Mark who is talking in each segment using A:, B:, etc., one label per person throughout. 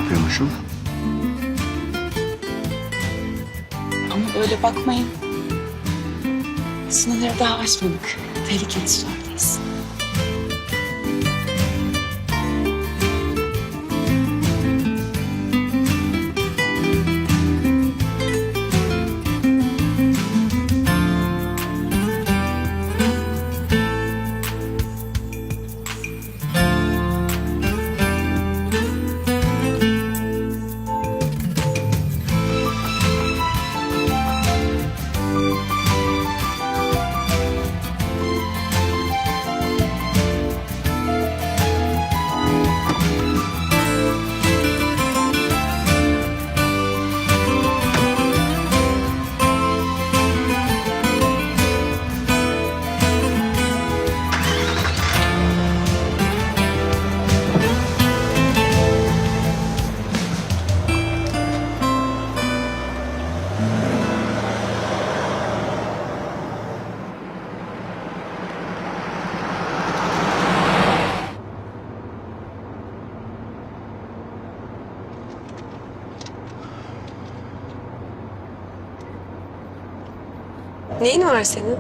A: yapıyormuşum?
B: Ama öyle bakmayın. Sınırları daha aşmadık. Tehlikeli sulardayız.
C: Neyin var senin?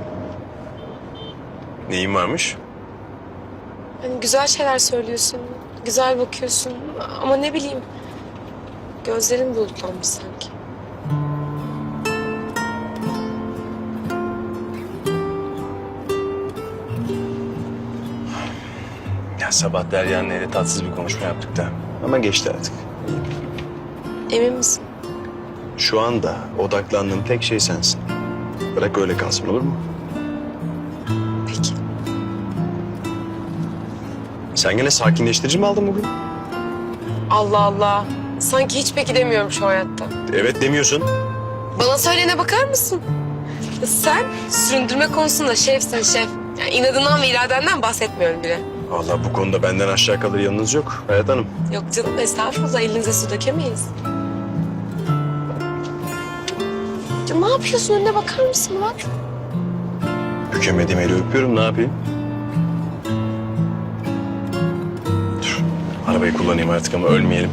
D: Neyin varmış?
C: Hani güzel şeyler söylüyorsun, güzel bakıyorsun ama ne bileyim gözlerin bulutlanmış sanki.
D: Ya sabah Derya'nın ile tatsız bir konuşma yaptık da. Ama geçti artık.
C: Emin misin?
D: Şu anda odaklandığım tek şey sensin. Bırak öyle kalsın, olur mu?
C: Peki.
D: Sen gene sakinleştirici mi aldın bugün?
C: Allah Allah. Sanki hiç peki demiyorum şu hayatta.
D: Evet demiyorsun.
C: Bana söyleyene bakar mısın? Sen süründürme konusunda şefsin şef. Yani inadından ve iradenden bahsetmiyorum bile.
D: Vallahi bu konuda benden aşağı kalır yanınız yok Hayat Hanım.
C: Yok canım estağfurullah elinize su dökemeyiz. Ya ne yapıyorsun önüne bakar mısın Murat?
D: Bükemediğim eli öpüyorum, ne yapayım? Dur, arabayı kullanayım artık ama ölmeyelim.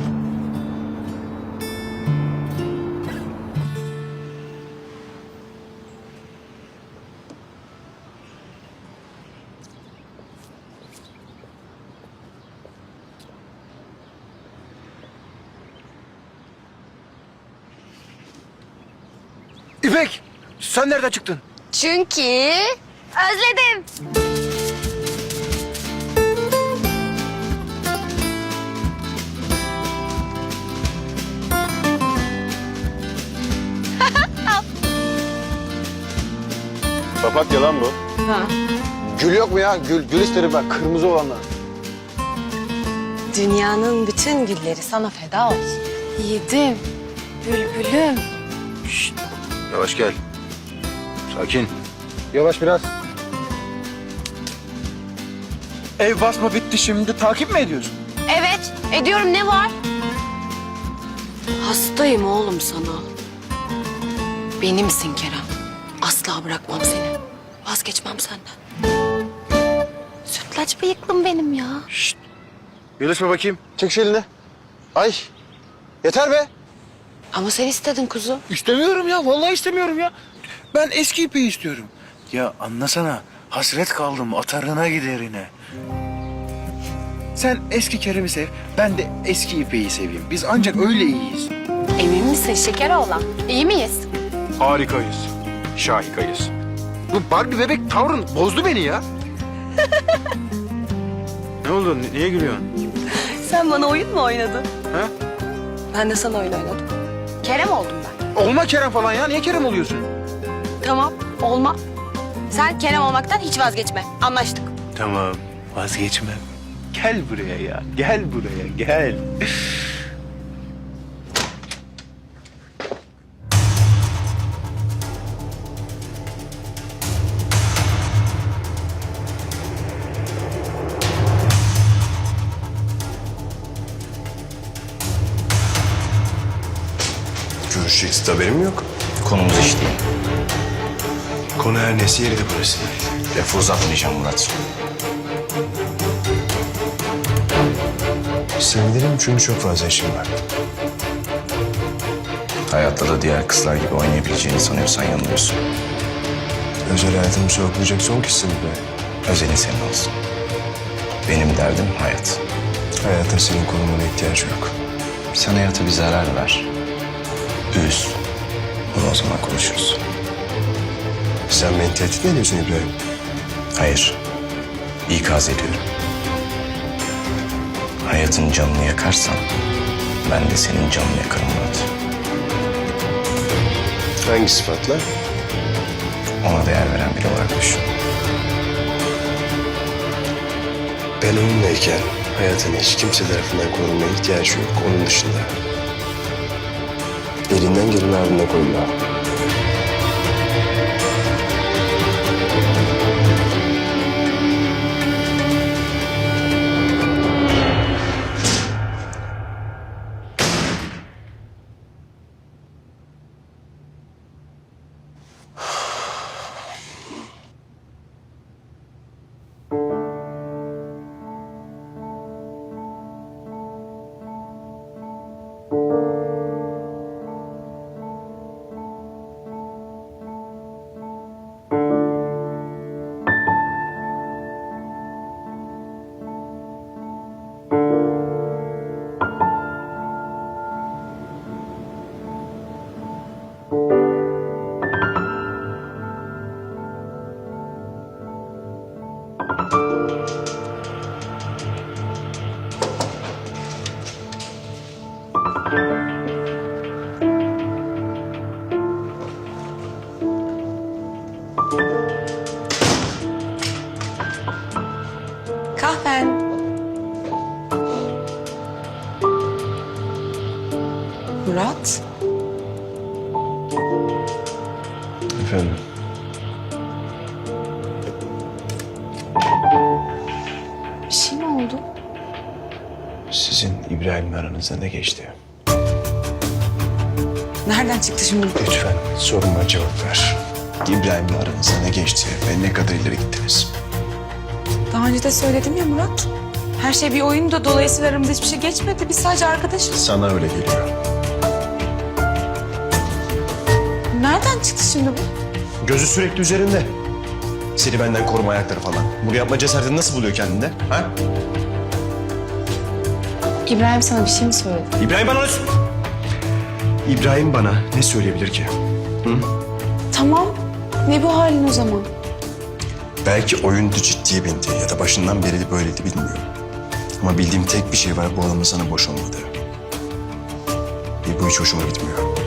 A: İpek, sen nereden çıktın?
E: Çünkü özledim.
D: Papatya lan bu.
A: Gül yok mu ya? Gül isterim ben. Kırmızı olanlar.
E: Dünyanın bütün gülleri sana feda olsun. Yedim. Bülbülüm.
A: Yavaş gel. Sakin. Yavaş biraz. Ev basma bitti şimdi. Takip mi ediyorsun?
E: Evet, ediyorum. Ne var? Hastayım oğlum sana. Benimsin Kerem. Asla bırakmam seni. Vazgeçmem senden. Sütlaç bıyıklım benim ya.
A: Birleşme bakayım. Çek şu elini. Ay. Yeter be.
E: Ama sen istedin kuzu.
F: İstemiyorum ya. Vallahi istemiyorum ya. Ben eski ipeyi istiyorum. Ya anlasana. Hasret kaldım atarına giderine. Sen eski Kerem'i sev. Ben de eski ipeyi seveyim. Biz ancak öyle iyiyiz.
E: Emin misin şeker oğlan? İyi miyiz?
F: Harikayız. Şahikayız. Bu Barbie bebek tavrın bozdu beni ya. Ne oldu? Niye gülüyorsun?
E: Sen bana oyun mu oynadın?
F: Ha?
E: Ben de sana oyun oynadım. Kerem oldum ben.
F: Olma Kerem falan ya. Niye Kerem oluyorsun?
E: Tamam, olma. Sen Kerem olmaktan hiç vazgeçme. Anlaştık.
F: Tamam. Vazgeçmem. Gel buraya ya. Gel buraya. Gel.
D: Görüşeceksin, haberim yok.
G: Konumuz iş değil.
D: Konu her nesi yeri de burası değil.
G: Lafı uzatmayacağım Murat.
A: Sevinirim çünkü çok fazla işim var.
G: Hayatta da diğer kızlar gibi oynayabileceğini sanıyorsan yanılıyorsun.
A: Özel hayatımı sorgulayacak son kişisin be.
G: Özelin senin olsun. Benim derdim hayat.
A: Hayatın senin korumana ihtiyacı yok.
G: Sen hayata bir zarar ver. Üz. Bunu o zaman konuşuruz.
A: Sen beni tehdit mi ediyorsun İbrahim?
G: Hayır. İkaz ediyorum. Hayatın canını yakarsan ben de senin canını yakarım Murat.
A: Hangi sıfatla?
G: Ona değer veren biri olarak düşün.
A: Ben onunlayken hayatın hiç kimse tarafından korunmaya ihtiyacı yok. Onun dışında. Elinden geleni ardına koyma.
B: Kahven. Murat.
A: Efendim?
B: Bir şey mi oldu?
A: Sizin İbrahim'le aranızda ne geçti?
B: Nereden çıktı şimdi?
A: Lütfen soruma cevap ver. İbrahim'le aranızda ne geçti ve ne kadar ileri gittiniz?
B: Daha önce de söyledim ya Murat. Her şey bir oyundu. Dolayısıyla aramızda hiçbir şey geçmedi. Biz sadece arkadaşız.
A: Sana öyle geliyor.
B: Nereden çıktı şimdi bu?
A: Gözü sürekli üzerinde. Seni benden koruma ayakları falan. Bunu yapma cesaretini nasıl buluyor kendinde? Ha?
B: İbrahim sana bir şey mi söyledi?
A: İbrahim bana İbrahim bana ne söyleyebilir ki?
B: Tamam. Ne bu halin o zaman?
A: Belki oyundu, ciddiye bindi ya da başından beri de böyleydi bilmiyorum. Ama bildiğim tek bir şey var, bu adamın sana boş olmadığı. Bu hiç hoşuma gitmiyor.